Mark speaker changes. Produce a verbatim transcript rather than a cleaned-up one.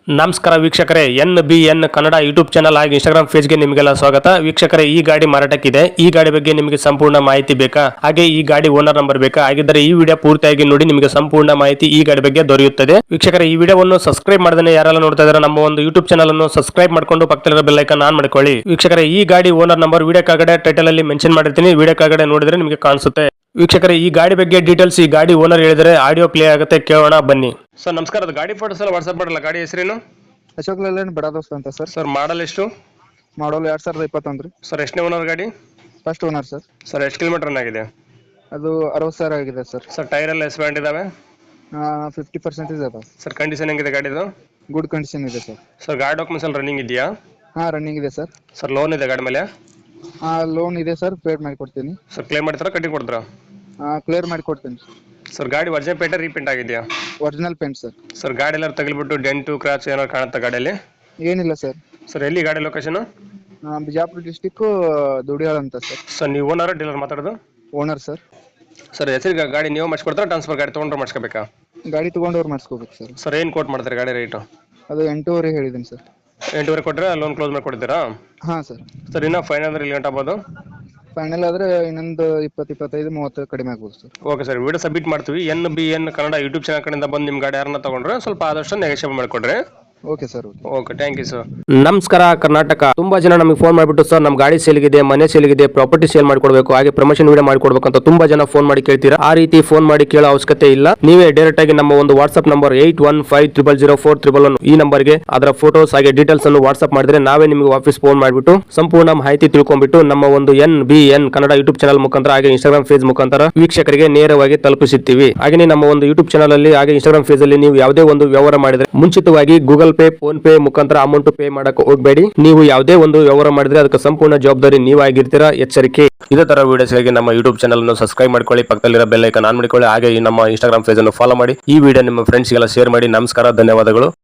Speaker 1: ನಮಸ್ಕಾರ ವೀಕ್ಷಕರೇ, N B N Kannada YouTube channel ಹಾಗೂ ಇನ್ಸ್ಟಾಗ್ರಾಮ್ ಪೇಜ್ಗೆ ನಿಮಗೆಲ್ಲ ಸ್ವಾಗತ. ವೀಕ್ಷಕರೇ, ಈ ಗಾಡಿ ಮಾರಾಟಕ್ಕಿದೆ. ಈ ಗಾಡಿ ಬಗ್ಗೆ ನಿಮಗೆ ಸಂಪೂರ್ಣ ಮಾಹಿತಿ ಬೇಕಾ? ಹಾಗೆ ಈ ಗಾಡಿ ಓನರ್ ನಂಬರ್ ಬೇಕಾ? ಹಾಗಿದ್ದರೆ ಈ ವಿಡಿಯೋ ಪೂರ್ತಿಯಾಗಿ ನೋಡಿ, ನಿಮಗೆ ಸಂಪೂರ್ಣ ಮಾಹಿತಿ ಈ ಗಾಡಿ ಬಗ್ಗೆ ದೊರೆಯುತ್ತದೆ. ವೀಕ್ಷಕರೇ, ಈ ವಿಡಿಯೋವನ್ನು ಸಬ್ಸ್ಕ್ರೈಬ್ ಮಾಡದೇ ಯಾರೆಲ್ಲ ನೋಡ್ತಾ ಇದ್ದಾರೆ ನಮ್ಮ ಒಂದು ಯೂಟ್ಯೂಬ್ ಚಾನಲ್ ಅನ್ನು ಸಬ್ಸ್ಕ್ರೈಬ್ ಮಾಡ್ಕೊಂಡು ಪಕ್ಕದಲ್ಲಿರೋ ಬೆಲ್ ಐಕಾನ್ ಆನ್ ಮಾಡ್ಕೊಳ್ಳಿ. ವೀಕ್ಷಕರೇ, ಈ ಗಾಡಿ ಓನರ್ ನಂಬರ್ ವಿಡಿಯೋ ಕೆಳಗಡೆ ಟೈಟಲ್ ಅಲ್ಲಿ ಮೆನ್ಷನ್ ಮಾಡಿರ್ತೀನಿ, ವಿಡಿಯೋ ಕೆಳಗಡೆ ನೋಡಿದ್ರೆ ನಿಮಗೆ ಕಾಣಿಸುತ್ತೆ. ವೀಕ್ಷಕರೇ, ಈ ಗಾಡಿ ಬಗ್ಗೆ ಡೀಟೇಲ್ಸ್ ಈ ಗಾಡಿ ಓನರ್ ಹೇಳಿದರೆ ಆಡಿಯೋ ಪ್ಲೇ ಆಗುತ್ತೆ, ಕೇಳೋಣ ಬನ್ನಿ. ಸರ್ ನಮಸ್ಕಾರ, ಅದು ಗಾಡಿ ಫೋಟೋಸ್ ಎಲ್ಲ ವಾಟ್ಸ್ಆಪ್ ಮಾಡಲ್ಲ. ಗಾಡಿ ಹೆಸರೇನು?
Speaker 2: ಅಶೋಕ್ ಲೇಲ್ಯಾಂಡ್ ಬಡ ದೋಸ್ತ್ ಅಂತ ಸರ್.
Speaker 1: ಸರ್ ಮಾಡಲ್ ಎಷ್ಟು?
Speaker 2: ಮಾಡಲ್ ಎರಡ್ ಸಾವಿರದ ಇಪ್ಪತ್ತೊಂದು ರೀ.
Speaker 1: ಸರ್ ಎಷ್ಟನೇ ಓನರ್ ಗಾಡಿ?
Speaker 2: First owner sir.
Speaker 1: ಸರ್ ಎಷ್ಟು ಕಿಲೋಮೀಟರ್ ರನ್ ಆಗಿದೆ?
Speaker 2: ಅದು ಅರವತ್ತು ಸಾವಿರ ಆಗಿದೆ ಸರ್.
Speaker 1: ಸರ್ ಟೈರ್ ಎಲ್ಲ ಎಷ್ಟು ಬ್ಯಾಂಡ್ ಇದಾವೆ?
Speaker 2: ಫಿಫ್ಟಿ ಪರ್ಸೆಂಟೇಜ್ ಅದ
Speaker 1: ಸರ್. ಕಂಡೀಷನ್ ಹೆಂಗಿದೆ ಗಾಡಿದು?
Speaker 2: ಗುಡ್ ಕಂಡೀಷನ್ ಇದೆ ಸರ್.
Speaker 1: ಸರ್ ಗಾಡಿ ಡಾಕ್ಯುಮೆಂಟ್ಸ್ ಎಲ್ಲ ರನ್ನಿಂಗ್ ಇದೆಯಾ?
Speaker 2: ಹಾಂ, ರನ್ನಿಂಗ್ ಇದೆ ಸರ್.
Speaker 1: ಸರ್ ಲೋನ್ ಇದೆ ಗಾಡಿ ಮೇಲೆ?
Speaker 2: ಹಾಂ, ಲೋನ್ ಇದೆ ಸರ್, ಪೇಡ್ ಮಾಡಿ ಕೊಡ್ತೀನಿ.
Speaker 1: ಸರ್ ಕ್ಲೇಮ್ ಮಾಡ್ತಾರಾ ಕಟ್ಟಿ ಕೊಡ್ತಾರಾ?
Speaker 2: ಹಾಂ, ಕ್ಲಿಯರ್ ಮಾಡಿ ಕೊಡ್ತೀನಿ.
Speaker 1: ಸರ್ ಗಾಡಿ ಒರಿಜಿನಲ್ ಪೇಂಟ್ ರೀಪೇಂಟ್ ಆಗಿದೆಯಾ?
Speaker 2: Original paint sir.
Speaker 1: ಸರ್ ಗಾಡಿ ಎಲ್ಲ ತಗಲಿಬಿಟ್ಟು ಡೆಂಟು ಕ್ರಾಚ್ ಏನಾದ್ರು ಕಾಣುತ್ತಾ ಗಾಡಿಯಲ್ಲಿ?
Speaker 2: ಏನಿಲ್ಲ ಸರ್.
Speaker 1: ಸರ್ ಎಲ್ಲಿ ಗಾಡಿ ಲೊಕೇಶನ್?
Speaker 2: ಬಿಜಾಪುರ ಡಿಸ್ಟಿಕ್ಕು ದುಡಿಯಾಳ ಅಂತ ಸರ್.
Speaker 1: ಸರ್ ನೀವು ಓನರ್ ಡೀಲರ್ ಮಾತಾಡೋದು?
Speaker 2: Owner sir.
Speaker 1: ಸರ್ ಹೆಸರಿಗೆ ಗಾಡಿ ನೀವು ಮಾಡಿಸ್ಕೊಡ್ತಾರಾ ಟ್ರಾನ್ಸ್ಫರ್ ಗಾಡಿ ತೊಗೊಂಡ್ರೆ ಮಾಡಿಸ್ಕೋಬೇಕಾ?
Speaker 2: ಗಾಡಿ ತೊಗೊಂಡವ್ರು ಮಾಡಿಸ್ಕೋಬೇಕು ಸರ್.
Speaker 1: ಸರ್ ಏನು ಕೋಟ್ ಮಾಡ್ತಾರೆ ಗಾಡಿ ರೇಟು?
Speaker 2: ಅದು ಎಂಟೂವರೆ ಹೇಳಿದ್ದೀನಿ ಸರ್.
Speaker 1: ಎಂಟೂವರೆ ಕೊಟ್ಟರೆ ಲೋನ್ ಕ್ಲೋಸ್ ಮಾಡಿ ಕೊಡ್ತೀರಾ?
Speaker 2: ಹಾಂ ಸರ್.
Speaker 1: ಸರ್ ಇನ್ನೂ ಫೈನಲ್ ಅಂದ್ರೆ ಇಲ್ಲಿ ಗಂಟೆ ಆಗ್ಬೋದು?
Speaker 2: ಫೈನಲ್ ಆದರೆ ಇನ್ನೊಂದು ಇಪ್ಪತ್ತು ಇಪ್ಪತ್ತೈದು ಮೂವತ್ತು ಕಡಿಮೆ ಆಗ್ಬೋದು sir.
Speaker 1: Okay sir, video submit ಮಾಡ್ತೀವಿ. N B N Kannada YouTube channel ಕಡೆಯಿಂದ ಬಂದು ನಿಮ್ಮ ಗಾಡಿ ಯಾರನ್ನ ತಗೊಂಡ್ರೆ ಸ್ವಲ್ಪ ಆದಷ್ಟು ನೆಗೋಷಿಯೇಟ್ ಮಾಡಿಕೊಡ್ರಿ.
Speaker 2: Okay sir.
Speaker 1: Okay, thank you sir.
Speaker 3: ನಮಸ್ಕಾರ ಕರ್ನಾಟಕ. ತುಂಬಾ ಜನ ನಮಗೆ ಫೋನ್ ಮಾಡಿಬಿಟ್ಟು ಸರ್ ನಮ್ಮ ಗಾಡಿ ಸೇಲ್ಗಿದೆ, ಮನೆ ಸೇಲ್ಗಿದೆ, ಪ್ರಾಪರ್ಟಿ ಸೇಲ್ ಮಾಡ್ಕೊಡ್ಬೇಕು, ಹಾಗೆ ಪ್ರಮೋಷನ್ ವಿಡಿಯೋ ಮಾಡ್ಕೊಡ್ಬೇಕು ಅಂತ ತುಂಬಾ ಜನ ಫೋನ್ ಮಾಡಿ ಕೇಳ್ತೀರಾ. ಆ ರೀತಿ ಫೋನ್ ಮಾಡಿ ಕೇಳೋ ಅವಶ್ಯಕತೆ ಇಲ್ಲ. ನೀವೇ ಡೈರೆಕ್ಟ್ ಆಗಿ ನಮ್ಮ ಒಂದು WhatsApp number eight one five triple zero four triple one ಈ ನಂಬರ್ಗೆ ಅದರ ಫೋಟೋಸ್ ಹಾಗೆ ಡೀಟೇಲ್ಸ್ ಅನ್ನು ವಾಟ್ಸ್ಆಪ್ ಮಾಡಿದ್ರೆ ನಾವೇ ನಿಮಗೆ ವಾಪಸ್ ಫೋನ್ ಮಾಡಿಬಿಟ್ಟು ಸಂಪೂರ್ಣ ಮಾಹಿತಿ ತಿಳ್ಕೊಂಡ್ಬಿಟ್ಟು ನಮ್ಮ ಒಂದು N B N Kannada YouTube channel ಮುಖಾಂತರ ಹಾಗೆ ಇನ್ಸ್ಟಾಗ್ರಾಮ್ ಪೇಜ್ ಮುಖಾಂತರ ವೀಕ್ಷಕರಿಗೆ ನೇರವಾಗಿ ತಲುಪಿಸುತ್ತೀವಿ. ಹಾಗೆ ನಮ್ಮ ಒಂದು ಯೂಟ್ಯೂಬ್ ಚಾನಲ್ ಅಲ್ಲಿ ಹಾಗೆ ಇನ್ಸ್ಟಾಗ್ರಾಮ್ ಪೇಜ್ ಅಲ್ಲಿ ನೀವು ಯಾವುದೇ ಒಂದು ವ್ಯವಹಾರ ಮಾಡಿದ್ರೆ ಮುಂಚಿತವಾಗಿ ಗೂಗಲ್ ಪೇ, ಫೋನ್ ಪೇ ಮುಖಾಂತರ ಅಮೌಂಟ್ ಪೇ ಮಾಡಕ್ಕೆ ಹೋಗಬೇಡಿ. ನೀವು ಯಾವುದೇ ಒಂದು ವ್ಯವಹಾರ ಮಾಡಿದ್ರೆ ಅದಕ್ಕೆ ಸಂಪೂರ್ಣ ಜವಾಬ್ದಾರಿ ನೀವಾಗಿರ್ತೀರಾ, ಎಚ್ಚರಿಕೆ. ಇದೇ ತರ ವಿಡಿಯೋಸ್ಗಾಗಿ ನಮ್ಮ ಯೂಟ್ಯೂಬ್ ಚಾನಲ್ ಅನ್ನು ಸಬ್ಸ್ಕ್ರೈಬ್ ಮಾಡ್ಕೊಳ್ಳಿ, ಪಕ್ಕದಲ್ಲಿರೋ ಬೆಲ್ ಐಕಾನ್ ಆನ್ ಮಾಡಿಕೊಳ್ಳಿ, ಹಾಗೆ ನಮ್ಮ ಇನ್ಸ್ಟಾಗ್ರಾಮ್ ಪೇಜ್ ಅನ್ನು ಫಾಲೋ ಮಾಡಿ. ಈ ವಿಡಿಯೋ ನಿಮ್ಮ ಫ್ರೆಂಡ್ಸ್ಗೆಲ್ಲ ಶೇರ್ ಮಾಡಿ. ನಮಸ್ಕಾರ, ಧನ್ಯವಾದಗಳು.